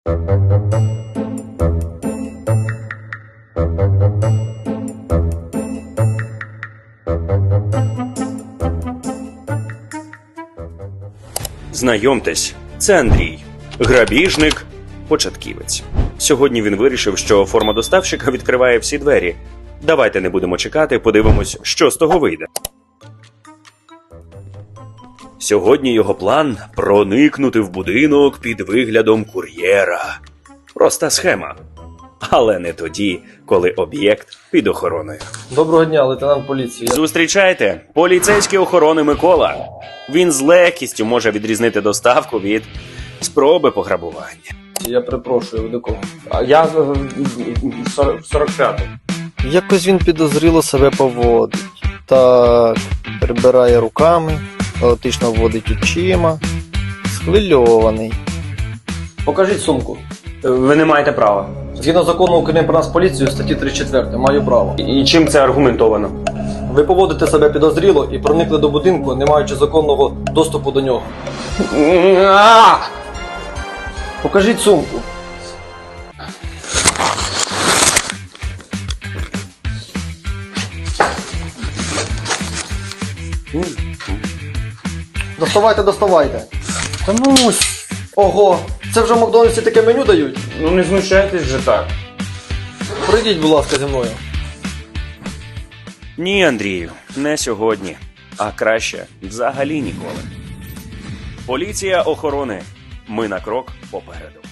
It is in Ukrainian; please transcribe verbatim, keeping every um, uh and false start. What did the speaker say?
Знайомтесь, це Андрій, грабіжник, початківець. Сьогодні він вирішив, що форма доставщика відкриває всі двері. Давайте не будемо чекати, подивимось, що з того вийде. Сьогодні його план – проникнути в будинок під виглядом кур'єра. Проста схема. Але не тоді, коли об'єкт під охороною. Доброго дня, лейтенант поліції. Зустрічайте, поліцейський охорони Микола. Він з легкістю може відрізнити доставку від спроби пограбування. Я перепрошую, ви до кого? А я сорок п'ятий. Якось він підозріло себе поводить. Так, прибирає руками, хаотично водить очима, схвильований. Покажіть сумку. Ви не маєте права. Згідно закону України про нас поліцію, статті тридцять четвертої, маю право. І чим це аргументовано? Ви поводите себе підозріло і проникли до будинку, не маючи законного доступу до нього. Покажіть сумку. Доставайте, доставайте. Та ну, Ого, це вже в Макдональдсі таке меню дають? ну не знущайтесь же так. Пройдіть, будь ласка, зі мною. Ні, Андрію, не сьогодні. А краще взагалі ніколи. Поліція охорони. Ми на крок попереду.